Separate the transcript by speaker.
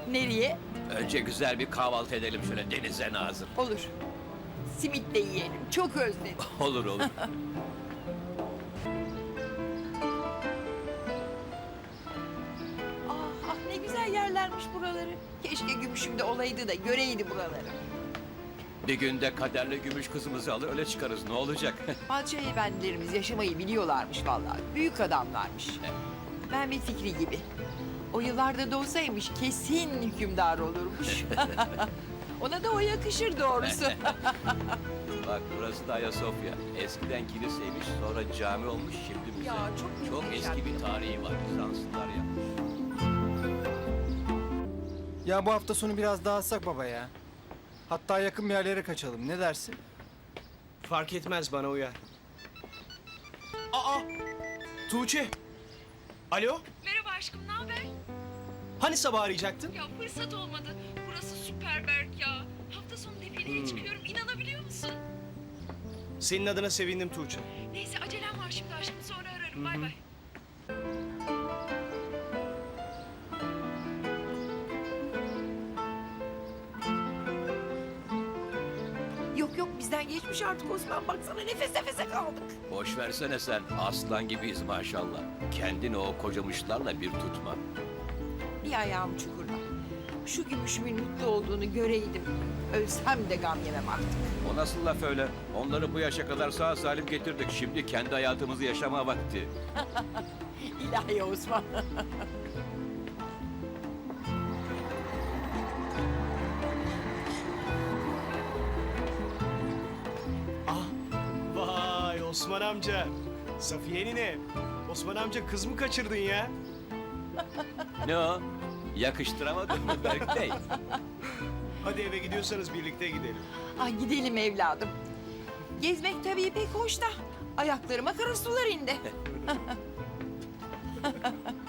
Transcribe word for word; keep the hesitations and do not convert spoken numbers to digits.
Speaker 1: Nereye?
Speaker 2: Önce güzel bir kahvaltı edelim şöyle denize nazır.
Speaker 1: Olur. Simit de yiyelim. Çok özledim.
Speaker 2: Olur olur.
Speaker 1: Ah, ah ne güzel yerlermiş buraları. Keşke gümüşüm de olaydı da göreydi buraları.
Speaker 2: Bir günde kaderli gümüş kızımızı alır öyle çıkarız ne olacak?
Speaker 1: Padişah efendilerimiz yaşamayı biliyorlarmış vallahi. Büyük adamlarmış. Mehmet Fikri gibi. O yıllarda doğsaymış kesin hükümdar olurmuş. Ona da o yakışır doğrusu.
Speaker 2: Bak burası da Ayasofya. Eskiden kiliseymiş sonra cami olmuş şimdi müze.
Speaker 1: Ya, çok
Speaker 2: Çok
Speaker 1: muhteşem.
Speaker 2: eski bir tarihi var. Bizanslılar yapmış.
Speaker 3: Ya bu hafta sonu biraz dağıtsak baba ya. Hatta yakın bir yerlere kaçalım. Ne dersin?
Speaker 4: Fark etmez bana uyar. Aa! Tuğçe! Alo?
Speaker 5: Merhaba aşkım, ne haber?
Speaker 4: Hani sabah arayacaktın?
Speaker 5: Ya fırsat olmadı. Burası süper Berk ya. Hafta sonu defileye çıkıyorum, inanabiliyor musun?
Speaker 4: Senin adına sevindim Tuğçe.
Speaker 5: Neyse acelem var şimdi aşkım, sonra ararım. Bay bay.
Speaker 1: Yok yok bizden geçmiş artık Osman. Baksana nefes nefese kaldık.
Speaker 2: Boş versene sen. Aslan gibiyiz maşallah. Kendini o kocamışlarla bir tutma.
Speaker 1: Bir ayağım çukurda. Şu gümüşümün mutlu olduğunu göreydim. Ölsem de gam yemem artık.
Speaker 2: O nasıl laf öyle? Onları bu yaşa kadar sağ salim getirdik. Şimdi kendi hayatımızı yaşama vakti.
Speaker 1: İlahi Osman.
Speaker 4: Ah! Vay Osman amca! Safiye nine! Osman amca kız mı kaçırdın ya?
Speaker 2: Ne o? Yakıştıramadın mı Berk Bey?
Speaker 4: Hadi eve gidiyorsanız birlikte gidelim.
Speaker 1: Ay gidelim evladım. Gezmek tabii pek hoş da ayaklarıma kara sular indi.